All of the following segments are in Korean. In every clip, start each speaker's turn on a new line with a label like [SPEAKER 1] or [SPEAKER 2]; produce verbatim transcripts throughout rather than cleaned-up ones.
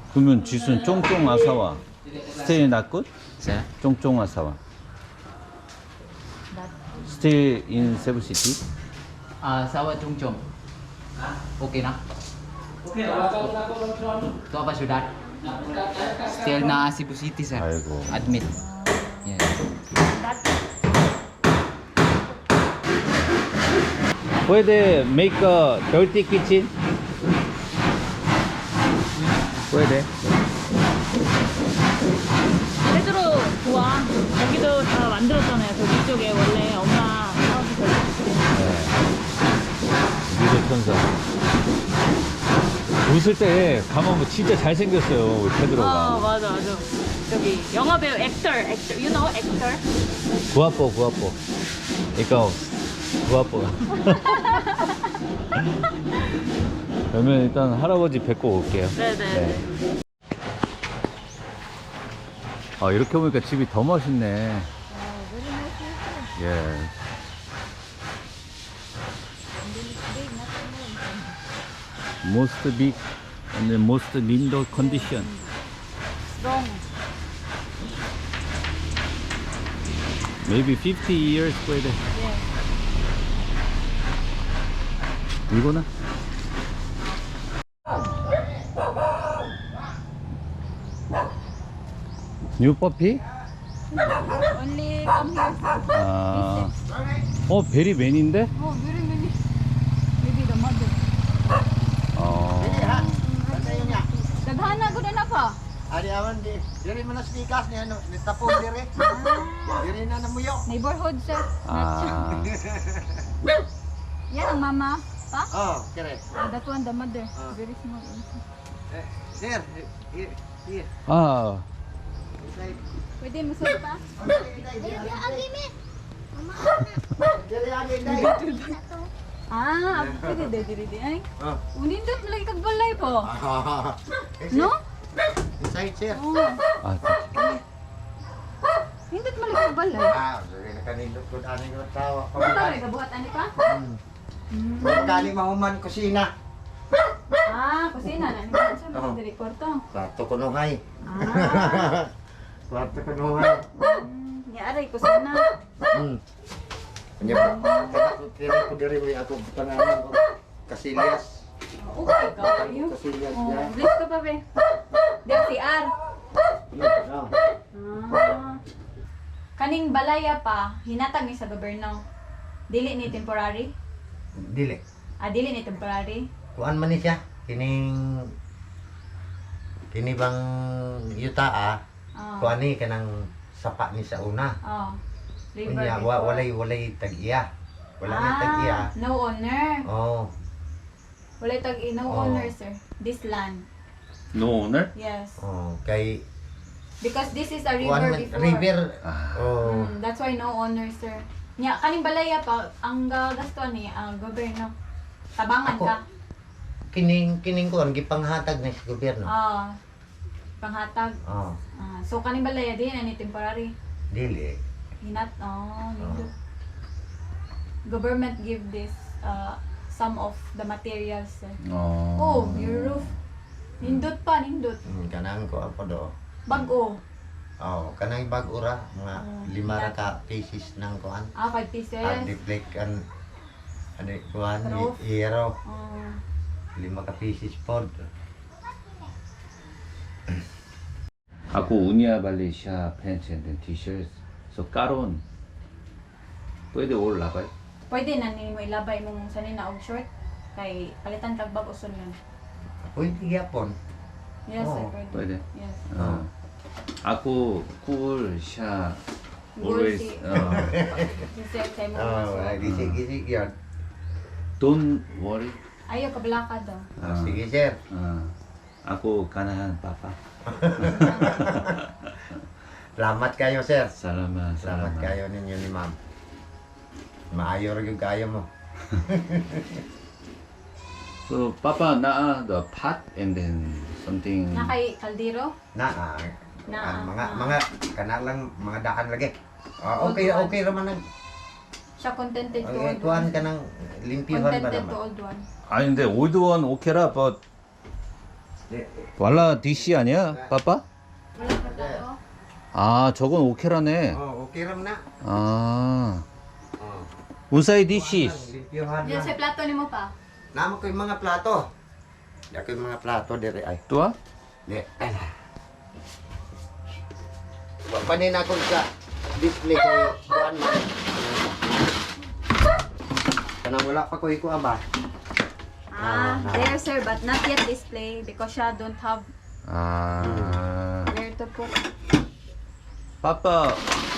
[SPEAKER 1] 그러면 지수는 쫑쫑 아사와 스테이 낫굿?
[SPEAKER 2] Sir?
[SPEAKER 1] 쫑쫑 아사와 스테이 인 세부시티?
[SPEAKER 2] Ah, Sawa Chung Chung. Okay na? Okay na. Ito ba syudad? Still na Cebu City, sir.
[SPEAKER 1] 아이고.
[SPEAKER 2] Admit. Yes.
[SPEAKER 1] Puede make a dirty kitchen? Puede.
[SPEAKER 3] 페드로 좋아. 여기도 다 만들었잖아요. 저기 쪽에 원래 엄마 사업이
[SPEAKER 1] 미소 천사. 웃을 때 가만 보면 진짜 잘생겼어요, 우리 페드로가.
[SPEAKER 3] 어 맞아 맞아. 저기 영화 배우 액터 액터 you know 액터?
[SPEAKER 1] 구아뽀, 구아뽀. 그러니까 구아뽀. 그러면 일단 할아버지 뵙고 올게요.
[SPEAKER 3] 네네.
[SPEAKER 1] 네. 아, 이렇게 보니까 집이 더 멋있네. 예. Most big and the most window condition.
[SPEAKER 3] Strong.
[SPEAKER 1] Maybe fifty years puede.
[SPEAKER 3] Yeah.
[SPEAKER 1] 이거나? New puppy?
[SPEAKER 3] Only come here.
[SPEAKER 1] 아, 어, 베리맨인데?
[SPEAKER 3] Oh, very many. Maybe the mother.
[SPEAKER 1] 어,
[SPEAKER 3] Daghana ko na pa.
[SPEAKER 4] Ari awan di, diri man nas bigas ni ano, ni tapon diri. Diri na namuyo.
[SPEAKER 3] Neighborhood sir.
[SPEAKER 1] 아,
[SPEAKER 3] Yan ang mama. Pa?
[SPEAKER 4] Oh, kere.
[SPEAKER 3] Ah, that one the mother.
[SPEAKER 4] Ah.
[SPEAKER 3] Very small.
[SPEAKER 4] Eh, sir, here, here.
[SPEAKER 1] 아,
[SPEAKER 4] Inside.
[SPEAKER 3] Pwede mo sir pa?
[SPEAKER 4] Diri agi dai.
[SPEAKER 3] Ah, pwede de diri di ay.
[SPEAKER 4] Oh.
[SPEAKER 3] Unindot lagi kag balay po.
[SPEAKER 4] No?
[SPEAKER 3] No?
[SPEAKER 4] Inside, sir.
[SPEAKER 3] Oh.
[SPEAKER 1] 아,
[SPEAKER 3] Nindot man lagi kag balay.
[SPEAKER 4] Ah, diri na kanindot ko ani ko tawo.
[SPEAKER 3] Pare gabuhat ani ka?
[SPEAKER 4] Hmm. Kung kani mahuman kusina.
[SPEAKER 3] Ah, kusina na ni siya
[SPEAKER 4] Oo.
[SPEAKER 3] mo diri kwarto.
[SPEAKER 4] Kwarto ko nuhay.
[SPEAKER 3] Ah.
[SPEAKER 4] Kwarto ko nuhay.
[SPEAKER 3] Hmm, ni aray kusina.
[SPEAKER 4] Hmm. Kanya kaya ko kira ko diri may ako pangalan ko. Kasilyas.
[SPEAKER 3] Okay ka kayo.
[SPEAKER 4] Kasilyas
[SPEAKER 3] Oh,
[SPEAKER 4] ya.
[SPEAKER 3] bless ka pa be. Di si R.
[SPEAKER 4] Oh.
[SPEAKER 3] Ah. Kaning balaya pa, hinatag ni sa gobyerno. Dili ni temporary?
[SPEAKER 4] Dili.
[SPEAKER 3] Ah, dili ni temporary?
[SPEAKER 4] Kuan man ni siya. Kining kini bang yuta ah.
[SPEAKER 3] Oh.
[SPEAKER 4] Kuan ni kanang sapa ni sa una.
[SPEAKER 3] Oh. River
[SPEAKER 4] Unya
[SPEAKER 3] before.
[SPEAKER 4] wa walay walay tag-iya. Wala ni
[SPEAKER 3] Ah,
[SPEAKER 4] tag-iya.
[SPEAKER 3] no owner.
[SPEAKER 4] Oh.
[SPEAKER 3] Wala tag no
[SPEAKER 4] Oh.
[SPEAKER 3] owner, sir. This land.
[SPEAKER 1] no owner?
[SPEAKER 3] Yes.
[SPEAKER 4] Oh, kay
[SPEAKER 3] Because this is a river
[SPEAKER 4] kuan man
[SPEAKER 3] before.
[SPEAKER 4] river.
[SPEAKER 1] Ah.
[SPEAKER 4] Oh.
[SPEAKER 3] Mm, that's why no owner, sir. Nya kaning balaya pa ang gagastuan ni ang gobyerno. Tabangan
[SPEAKER 4] Ako.
[SPEAKER 3] ka.
[SPEAKER 4] Kining kining kuan gipanghatag ni sa gobyerno.
[SPEAKER 3] Ah. Panghatag.
[SPEAKER 4] Oh.
[SPEAKER 3] Ah, so kaning balaya din ani temporary.
[SPEAKER 4] Dili.
[SPEAKER 3] Hinat oh, nindot. Government give this uh, some of the materials. Sir.
[SPEAKER 1] 어.
[SPEAKER 3] Oh, your roof. Nindot pa, nindot.
[SPEAKER 4] Hmm, kanang ko apa do.
[SPEAKER 3] Bago.
[SPEAKER 4] Oh, kanang bag-ura mga
[SPEAKER 3] Oh,
[SPEAKER 4] lima ra
[SPEAKER 3] yeah.
[SPEAKER 4] ka pieces ng kuan.
[SPEAKER 3] Ah, five pieces.
[SPEAKER 4] At deflect kan ano kuan
[SPEAKER 3] Roof.
[SPEAKER 4] i- iro
[SPEAKER 3] Oh.
[SPEAKER 4] lima ka pieces pod.
[SPEAKER 1] Aku unia Malaysia pants and then t-shirts. So karon pwede all labay.
[SPEAKER 3] Pwede na ni mo ilabay mong sanin na og short kay palitan kag bag uson yun.
[SPEAKER 4] Pwede gyapon.
[SPEAKER 3] Yes, sir,
[SPEAKER 4] Oh,
[SPEAKER 3] pwede.
[SPEAKER 1] pwede.
[SPEAKER 3] Yes.
[SPEAKER 1] 어. Aku cool 샤
[SPEAKER 3] Gold
[SPEAKER 1] always
[SPEAKER 3] si-
[SPEAKER 1] uh,
[SPEAKER 3] Kasi kay mo
[SPEAKER 4] Oh,
[SPEAKER 3] masuk.
[SPEAKER 4] ay gisig-gisig yan.
[SPEAKER 1] don't worry.
[SPEAKER 3] Ayaw ka balaka daw.
[SPEAKER 4] Oh, sige sir.
[SPEAKER 1] 어. Aku ganahan papa.
[SPEAKER 4] Salamat kayo sir.
[SPEAKER 1] Salamat,
[SPEAKER 4] Salamat
[SPEAKER 1] salamat.
[SPEAKER 4] kayo ninyo ni ma'am. Maayo rin yung kayo mo.
[SPEAKER 1] So papa naa the pot and then something.
[SPEAKER 3] Na kay kaldero?
[SPEAKER 4] Na, ah,
[SPEAKER 3] Na,
[SPEAKER 4] ah, mga
[SPEAKER 3] ah.
[SPEAKER 4] mga kana lang mga daan lagi. Ah, okay
[SPEAKER 3] Old one.
[SPEAKER 4] okay raman nag.
[SPEAKER 3] Siya contented to
[SPEAKER 4] Okay,
[SPEAKER 3] old
[SPEAKER 4] kuan
[SPEAKER 3] one.
[SPEAKER 4] ka ng limpyuhan ba
[SPEAKER 3] Contented to
[SPEAKER 4] naman?
[SPEAKER 3] old one.
[SPEAKER 1] 아니 근데 old one 오케라 but
[SPEAKER 4] 네.
[SPEAKER 1] 왈라 디시 아니야? 빠빠?
[SPEAKER 3] Wala pa tayo.
[SPEAKER 1] 아, 저건 오케라네.
[SPEAKER 4] Oh, okay ram na.
[SPEAKER 1] 아,
[SPEAKER 4] Oh.
[SPEAKER 1] 운사이 디시.
[SPEAKER 4] Limpyohan
[SPEAKER 3] Yan
[SPEAKER 4] lang.
[SPEAKER 3] sa plato ni mo pa.
[SPEAKER 4] Nama ko yung mga plato. Yan ko yung mga plato dire ay.
[SPEAKER 1] 또아?
[SPEAKER 4] Di. Ay. Wa panin ako sa display kay kuan man. Kanang wala pa ko iko aba.
[SPEAKER 3] Ah, there sir, but not yet display because siya don't have
[SPEAKER 1] 아,
[SPEAKER 3] where to put.
[SPEAKER 1] 빠빠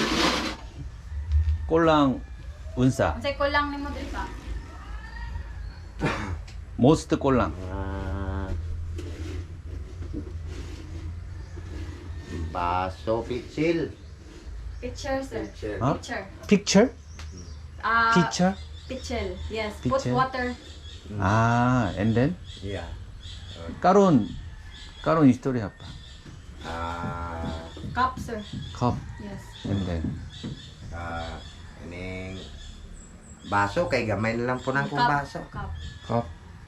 [SPEAKER 1] 꼴랑 운사.
[SPEAKER 3] Unsay ko lang ni mo diri pa.
[SPEAKER 1] 모스트 꼴랑.
[SPEAKER 4] Ah. Baso pitsil.
[SPEAKER 3] Picture sir.
[SPEAKER 4] Pitsil.
[SPEAKER 1] 어?
[SPEAKER 3] Picture.
[SPEAKER 1] 픽처?
[SPEAKER 3] Ah,
[SPEAKER 1] 피처?
[SPEAKER 3] Pichel. Yes. Put
[SPEAKER 1] Pichel.
[SPEAKER 3] water.
[SPEAKER 1] 아, and then
[SPEAKER 4] Iya.
[SPEAKER 1] 까론 까론 히스토리 아빠.
[SPEAKER 4] Ah,
[SPEAKER 3] Cup sir.
[SPEAKER 1] 컵,
[SPEAKER 3] Yes.
[SPEAKER 1] and then
[SPEAKER 4] ah, ining baso kay gamay na lang po nang kung
[SPEAKER 3] Cup.
[SPEAKER 4] baso.
[SPEAKER 3] Cup.
[SPEAKER 1] 컵.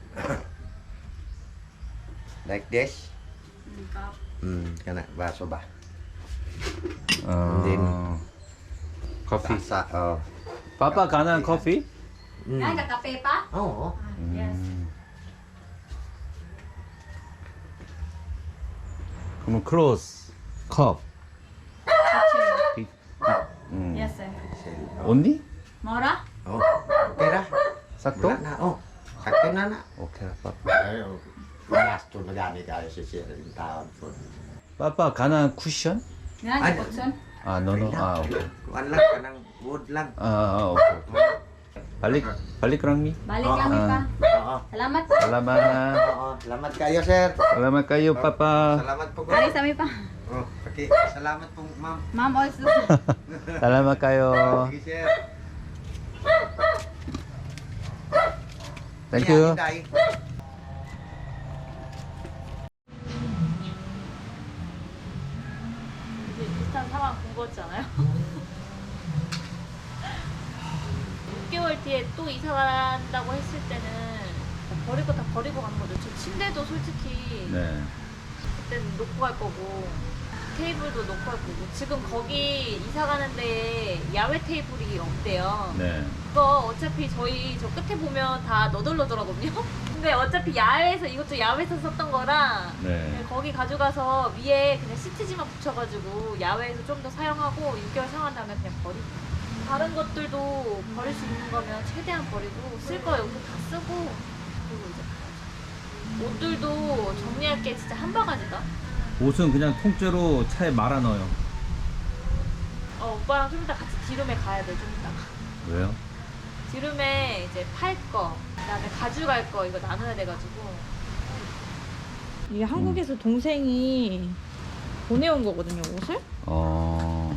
[SPEAKER 4] Like this.
[SPEAKER 3] Mm, cup.
[SPEAKER 4] Hmm, kana baso ba?
[SPEAKER 1] 어,
[SPEAKER 4] then
[SPEAKER 1] 커피.
[SPEAKER 4] Basa, oh.
[SPEAKER 1] 빠빠 가난 커피?
[SPEAKER 4] Mm.
[SPEAKER 3] Ay, kakape pa?
[SPEAKER 4] Oo.
[SPEAKER 3] Ah, yes.
[SPEAKER 1] 음. 그럼 클로스 컵.
[SPEAKER 3] Pichel.
[SPEAKER 1] 비, 음.
[SPEAKER 3] Yes sir.
[SPEAKER 1] 언니?
[SPEAKER 3] Mora?
[SPEAKER 4] Oh, okay ra.
[SPEAKER 1] 싹도?
[SPEAKER 4] Wala na, oh. Sakto na na.
[SPEAKER 1] 오케이 빠빠.
[SPEAKER 4] Ay, oh. Gasto na gani kayo sa sir yung taon po.
[SPEAKER 1] 빠빠 가난 쿠션?
[SPEAKER 3] Yan,
[SPEAKER 4] Ay,
[SPEAKER 3] Putson.
[SPEAKER 1] 아, 노노. 아, 오케이.
[SPEAKER 4] Kuan lang, kanang wood lang.
[SPEAKER 1] 아, 아, 오케이. 오케이. 발릭 발릭랑미.
[SPEAKER 3] Balik
[SPEAKER 4] Ah,
[SPEAKER 3] lang mi pa.
[SPEAKER 4] Oo.
[SPEAKER 3] Salamat.
[SPEAKER 1] 살라마.
[SPEAKER 4] Oo. Salamat kayo, sir.
[SPEAKER 1] 살라마 까요 빠빠.
[SPEAKER 4] Salamat po.
[SPEAKER 3] Ari sa mi pa.
[SPEAKER 4] Oh, okay. Salamat po, ma'am.
[SPEAKER 3] Ma'am also.
[SPEAKER 1] 살라마 까요.
[SPEAKER 4] Sige, sir.
[SPEAKER 1] 땡큐.
[SPEAKER 4] Ayan, Inday.
[SPEAKER 5] 이제 비슷한 상황 본 거잖아요. 육 개월 뒤에 또 이사 간다고 했을 때는 버릴 거 다 버리고 간 거죠. 저 침대도 솔직히
[SPEAKER 1] 네.
[SPEAKER 5] 그때는 놓고 갈 거고 테이블도 놓고 갈 거고 지금 거기 이사 가는데 야외 테이블이 없대요.
[SPEAKER 1] 네.
[SPEAKER 5] 그거 어차피 저희 저 끝에 보면 다 너덜너덜하거든요. 근데 어차피 야외에서 이것도 야외에서 썼던 거라
[SPEAKER 1] 네.
[SPEAKER 5] 그냥 거기 가져가서 위에 그냥 시트지만 붙여가지고 야외에서 좀 더 사용하고 육 개월 사용한 다음에 그냥 버리고 다른 것들도 버릴 수 있는 거면 최대한 버리고 쓸 거 여기서 다 쓰고 그리고 이제 옷들도 정리할 게 진짜 한 바가지다.
[SPEAKER 1] 옷은 그냥 통째로 차에 말아 넣어요.
[SPEAKER 5] 어 오빠랑 좀 이따 같이 디룸에 가야 돼 좀 이따가.
[SPEAKER 1] 왜요?
[SPEAKER 5] 디룸에 이제 팔 거, 그다음에 가져갈 거 이거 나눠야 돼가지고.
[SPEAKER 6] 이게 한국에서 동생이 보내온 거거든요, 옷을.
[SPEAKER 1] 어.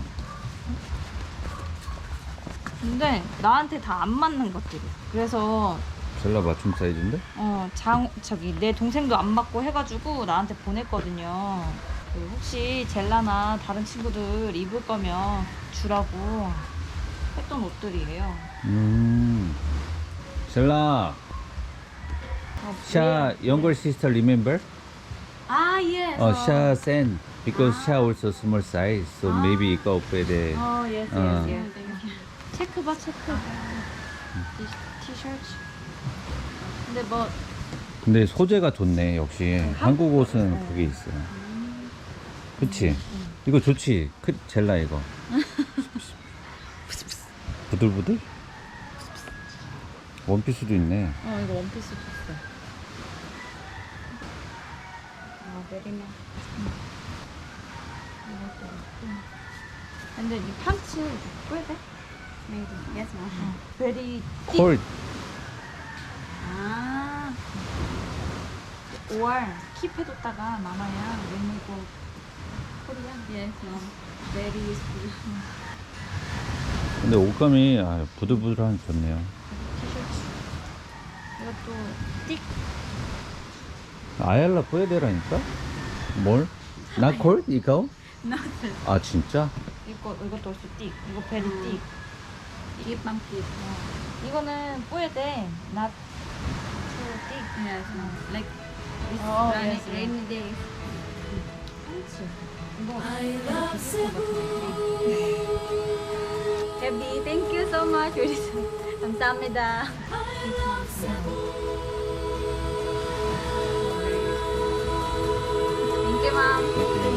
[SPEAKER 6] 근데 나한테 다 안 맞는 것들이. 그래서
[SPEAKER 1] 젤라 맞춤 사이즈인데?
[SPEAKER 6] 어, 장 저기 내 동생도 안 맞고 해가지고 나한테 보냈거든요. 그 혹시 젤라나 다른 친구들 입을 거면 주라고 했던 옷들이에요.
[SPEAKER 1] 음. 젤라.
[SPEAKER 6] 어,
[SPEAKER 1] 샤 younger sister remember?
[SPEAKER 3] Ah, yes.
[SPEAKER 1] 어, 샤 send because 샤 also small size. So maybe 이거 오빠에
[SPEAKER 3] Oh, yes, yes,
[SPEAKER 1] 어.
[SPEAKER 3] yes.
[SPEAKER 6] 체크 봐, 체크. 티, 티셔츠. 근데 뭐
[SPEAKER 1] 근데 소재가 좋네 역시. 한국 옷은 그게 있어. 그치? 이거 좋지? 크, 젤라 이거. 부들부들? 원피스도 있네.
[SPEAKER 6] 어, 이거 원피스 줬어.
[SPEAKER 3] Oh, very nice.
[SPEAKER 6] 근데 이 판츠 꽤 돼?
[SPEAKER 3] Maybe. Yes, ma'am.
[SPEAKER 6] 베리
[SPEAKER 1] 콜.
[SPEAKER 3] Ah.
[SPEAKER 6] 오알 킵해뒀다가 남아야 웬일고 코리아.
[SPEAKER 3] Yes, ma'am. Very useful.
[SPEAKER 1] 근데 옷감이 아, 부들부들한 좋네요.
[SPEAKER 6] 티셔츠. 이것도 띡.
[SPEAKER 1] 아얄라 뿌에데라니까? 뭘? 나 콜? 이거? 아 진짜?
[SPEAKER 6] 이거 이것도 없어 띡. 이거 베리 띡.
[SPEAKER 3] Keep, ma'am, keep.
[SPEAKER 6] 어. 이거는 뿌에데 낫 띡.
[SPEAKER 3] Yes, ma'am. Like, This
[SPEAKER 6] Oh,
[SPEAKER 3] rainy,
[SPEAKER 6] yes, yes.
[SPEAKER 3] rainy days. Hebi, thank you so much. 감사합니다. Thank you, ma'am.
[SPEAKER 1] 오케이.